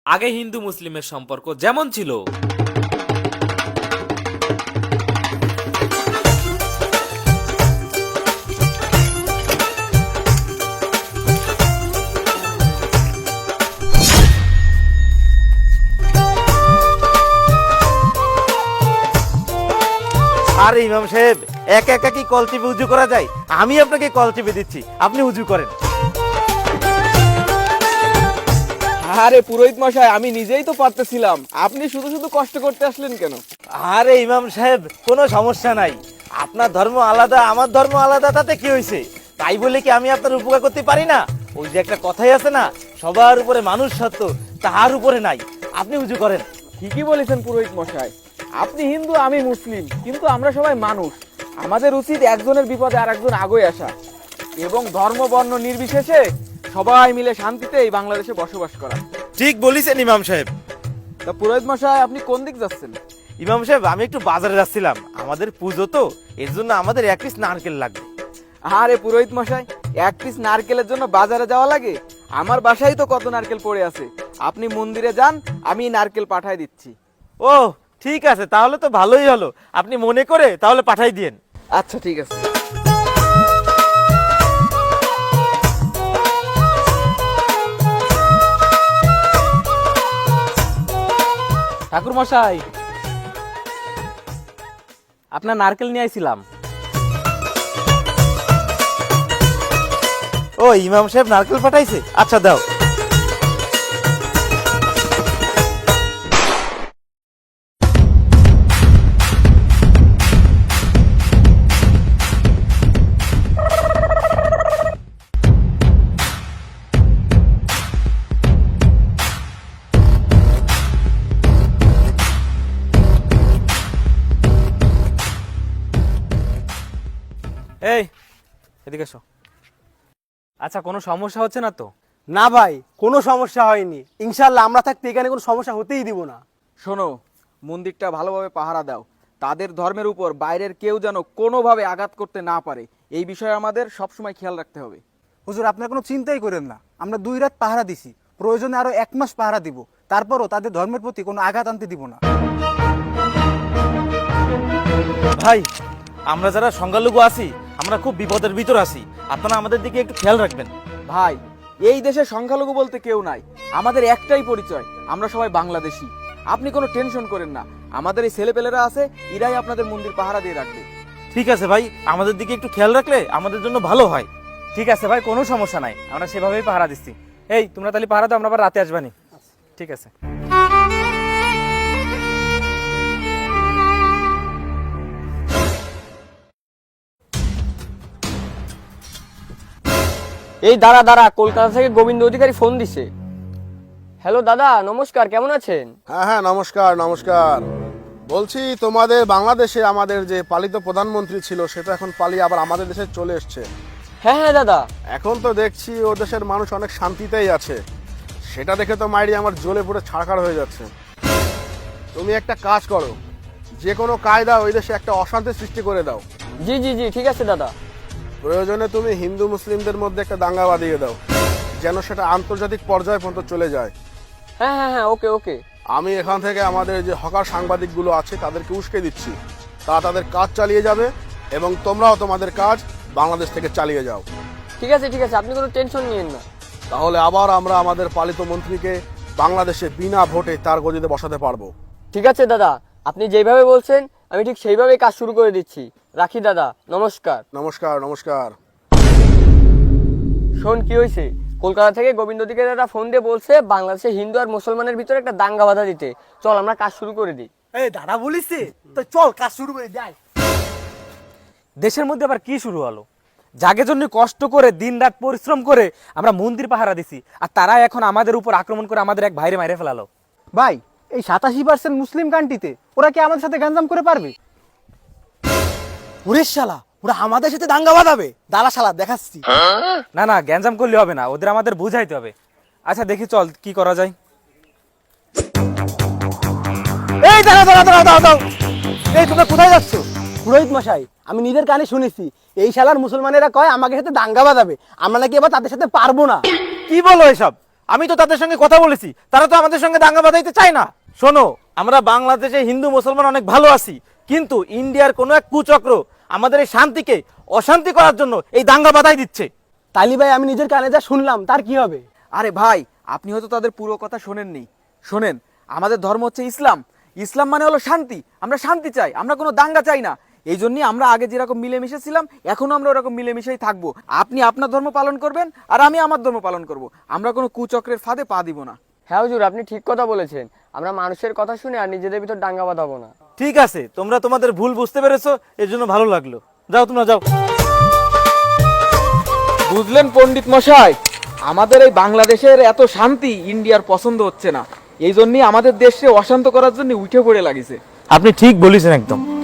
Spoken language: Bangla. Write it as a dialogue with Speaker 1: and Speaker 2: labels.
Speaker 1: আগে হিন্দু মুসলিমের সম্পর্ক যেমন ছিল
Speaker 2: আরে ইমাম সাহেব একা একা কি কল টিপে উজু করা যায়? আমি আপনাকে কল টিপে দিচ্ছি, আপনি উজু করেন।
Speaker 3: আরে পুরোহিত মশাই, আমি নিজেই তো পারতেছিলাম, আপনি শুধু শুধু কষ্ট করতে আসলেন কেন?
Speaker 2: আরে ইমাম সাহেব কোনো সমস্যা নাই, আপনার ধর্ম আলাদা আমার ধর্ম আলাদা, তাতে কি হয়েছে? তাই বলে কি আমি আপনার উপকার করতে পারি না? ওই যে একটা কথাই আছে না, সবার উপরে মানুষ সত্য, তার উপরে নাই। আপনি উজু করেন।
Speaker 3: ঠিকই বলেছেন পুরোহিত মশাই, আপনি হিন্দু আমি মুসলিম, কিন্তু আমরা সবাই মানুষ। আমাদের উচিত একজনের বিপদে আর একজন আগে আসা এবং ধর্ম বর্ণ নির্বিশেষে সবাই মিলে শান্তিতে এই বাংলাদেশে বসবাস করা।
Speaker 2: ঠিক বলেছেন ইমাম সাহেব।
Speaker 3: তা পুরোহিত মশাই, আপনি কোন দিক যাচ্ছেন?
Speaker 2: ইমাম সাহেব আমি একটু বাজারে যাচ্ছিলাম, আমাদের পুজো তো, এর জন্য আমাদের এক পিস নারকেল লাগবে।
Speaker 3: আরে পুরোহিত মশাই, এক পিস নারকেলের জন্য বাজারে যাওয়া লাগে? আমার বাসায় তো কত নারকেল পড়ে আছে, আপনি মন্দিরে যান, আমি নারকেল পাঠাই দিচ্ছি।
Speaker 2: ও ঠিক আছে, তাহলে তো ভালোই হলো, আপনি মনে করে তাহলে পাঠাই দিয়েন।
Speaker 3: আচ্ছা ঠিক আছে।
Speaker 1: ঠাকুর মশাই, আপনার নারকেল নিয়ে আইছিলাম।
Speaker 2: ও ইমাম সাহেব নারকেল পাঠাইছে, আচ্ছা দাও।
Speaker 1: এই এদিকে এসো। আচ্ছা, কোনো সমস্যা হচ্ছে না তো?
Speaker 4: না ভাই, কোনো সমস্যা হয়নি, ইনশাল্লাহ আমরা থাকতে এখানে কোনো সমস্যা হতেই দিব না।
Speaker 3: শোনো, মন্দিরটা ভালোভাবে পাহারা দাও, তাদের ধর্মের উপর বাইরের কেউ যেন কোনোভাবে আঘাত করতে না পারে, এই বিষয়ে আমাদের সবসময় খেয়াল রাখতে হবে।
Speaker 4: হুজুর আপনার কোনো চিন্তাই করেন না, আমরা 2 রাত পাহারা দিছি, প্রয়োজনে আরো 1 মাস পাহারা দিব, তারপরও তাদের ধর্মের প্রতি কোনো আঘাত আনতে দিব না।
Speaker 2: ভাই আমরা যারা সংখ্যালঘু আছি, আমরা খুব বিপদের ভিতর আছি, আপনারা আমাদের দিকে একটু খেয়াল রাখবেন।
Speaker 3: ভাই, এই দেশে সংখ্যালঘু বলতে কেউ নাই, আমাদের একটাই পরিচয়, আমরা সবাই বাংলাদেশি। আপনি কোনো টেনশন করেন না, আমাদের এই ছেলেপেলেরা আছে, এরাই আপনাদের মন্দির পাহারা দিয়ে রাখবে।
Speaker 2: ঠিক আছে ভাই, আমাদের দিকে একটু খেয়াল রাখলে আমাদের জন্য ভালো হয়।
Speaker 1: ঠিক আছে ভাই, কোনো সমস্যা নাই, আমরা সেভাবেই পাহারা দিচ্ছি। এই তোমরা তাহলে পাহারা দাও, আমরা আবার রাতে আসবানি। ঠিক আছে।
Speaker 5: এই দাঁড়া দাঁড়া, কলকাতা থেকে গোবিন্দ অধিকারী ফোন দিছে। হ্যালো দাদা, নমস্কার, কেমন আছেন?
Speaker 6: হ্যাঁ হ্যাঁ, নমস্কার নমস্কার। বলছি তোমাদের বাংলাদেশে আমাদের যে পালিত প্রধানমন্ত্রী ছিল, সেটা এখন পালিয়ে আবার আমাদের দেশে চলে এসছে।
Speaker 5: হ্যাঁ হ্যাঁ দাদা।
Speaker 6: এখন তো দেখছি ও দেশের মানুষ অনেক শান্তিতেই আছে, সেটা দেখে তো মাইরি আমার জ্বলে পুরো ছাড়খাড় হয়ে যাচ্ছে। তুমি একটা কাজ করো, যে কোনো কায়দা ওই দেশে একটা অশান্তি সৃষ্টি করে দাও।
Speaker 5: জি জি জি, ঠিক আছে দাদা।
Speaker 6: প্রয়োজনে তুমি হিন্দু মুসলিমদের মধ্যে একটা দাঙ্গা বাঁধিয়ে দাও, যেন সেটা আন্তর্জাতিক পর্যায় পর্যন্ত চলে যায়।
Speaker 5: হ্যাঁ হ্যাঁ হ্যাঁ, ওকে ওকে।
Speaker 6: আমি এখান থেকে আমাদের যে হকার সাংবাদিকগুলো আছে তাদেরকে উস্কে দিচ্ছি, তারা তাদের কাজ চালিয়ে যাবে এবং তোমরাও তোমাদের কাজ বাংলাদেশ থেকে চালিয়ে যাও।
Speaker 5: ঠিক আছে ঠিক আছে, আপনি কোনো টেনশন নিয়েন না।
Speaker 6: তাহলে আবার আমরা আমাদের পালিত মন্ত্রীকে বাংলাদেশে বিনা ভোটে তার গদিতে বসাতে পারবো।
Speaker 5: ঠিক আছে দাদা, আপনি যেভাবে বলছেন আমি ঠিক সেইভাবেই কাজ শুরু করে দিচ্ছি। রাখি দাদা, নমস্কার।
Speaker 6: নমস্কার নমস্কার।
Speaker 5: শোন, কি হয়েছে? কলকাতা থেকে গোবিন্দ অধিকারী দাদা ফোন দিয়ে বলছে বাংলাদেশে হিন্দু আর মুসলমানের ভিতরে একটা দাঙ্গা বাধা দিতে। চল আমরা কাজ শুরু করে দিই।
Speaker 4: এই দাদা বলিস তো, চল কাজ শুরু করে যাই।
Speaker 1: দেশের মধ্যে আবার কি শুরু হলো? জাগের জন্য কষ্ট করে দিন রাত পরিশ্রম করে আমরা মন্দির পাহারা দিছি, আর তারা এখন আমাদের উপর আক্রমণ করে আমাদের এক ভাইরে মাইরে ফেলালো।
Speaker 4: ভাই, এই 87% মুসলিম কান্ট্রিতে ওরা কি আমাদের সাথে গাঞ্জাম করে পারবে? ওরে শালা, ওরা আমাদের সাথে দাঙ্গা বাঁধাবে, দাঁড়া শালা দেখাচ্ছি।
Speaker 1: না না, গ্যাঞ্জাম করলে হবে না, ওদের আমাদের বুঝাইতে হবে। আচ্ছা দেখি, চল কি করা যায়।
Speaker 4: এই দাঁড়া দাঁড়া দাঁড়া দাঁড়া দাঁড়া, এই তোমরা কোথায় যাচ্ছ? পুরোহিত মশাই, আমি নিজের কানে শুনেছি এই শালার মুসলমানেরা কয় আমাদের সাথে দাঙ্গা বাঁধাবে, আমরা নাকি এবার তাদের সাথে পারবো না।
Speaker 2: কি বলো এসব? আমি তো তাদের সঙ্গে কথা বলেছি, তারা তো আমাদের সঙ্গে দাঙ্গা বাঁধাইতে চায় না। শোনো, আমরা বাংলাদেশে হিন্দু মুসলমান অনেক ভালো আছি, কিন্তু ইন্ডিয়ার কোনো এক কুচক্র আমাদের এই শান্তিকে অশান্তি করার জন্য এই দাঙ্গা বাঁধাই দিচ্ছে।
Speaker 7: তালি ভাই আমি নিজের কানে যা শুনলাম তার কি হবে?
Speaker 3: আরে ভাই, আপনি হয়তো তাদের পুরো কথা শোনেননি। শোনেন, আমাদের ধর্ম হচ্ছে ইসলাম। ইসলাম মানে হলো শান্তি। আমরা শান্তি চাই, আমরা কোনো দাঙ্গা চাই না। এই জন্যই আমরা আগে যেরকম মিলেমিশে ছিলাম, এখনো আমরা ওরকম মিলেমিশেই থাকবো। আপনি আপনার ধর্ম পালন করবেন, আর আমি আমার ধর্ম পালন করব। আমরা কোনো কুচক্রের ফাঁদে পা দিব না।
Speaker 5: হ্যাঁ হুজুর, আপনি ঠিক কথা বলেছেন। আমরা মানুষের কথা শুনে আর নিজেদের ভিতর দাঙ্গা বাঁধাবো না।
Speaker 2: ঠিক আছে, তোমরা তোমাদের ভুল বুঝতে পেরেছো, এর জন্য ভালো লাগলো। যাও, তোমরা যাও।
Speaker 3: বুঝলেন পণ্ডিত মশাই, আমাদের এই বাংলাদেশের এত শান্তি ইন্ডিয়ার পছন্দ হচ্ছে না। এই জন্যই আমাদের দেশে অশান্ত করার জন্য উঠে পড়ে লাগিছে।
Speaker 2: আপনি ঠিক বলেছেন একদম।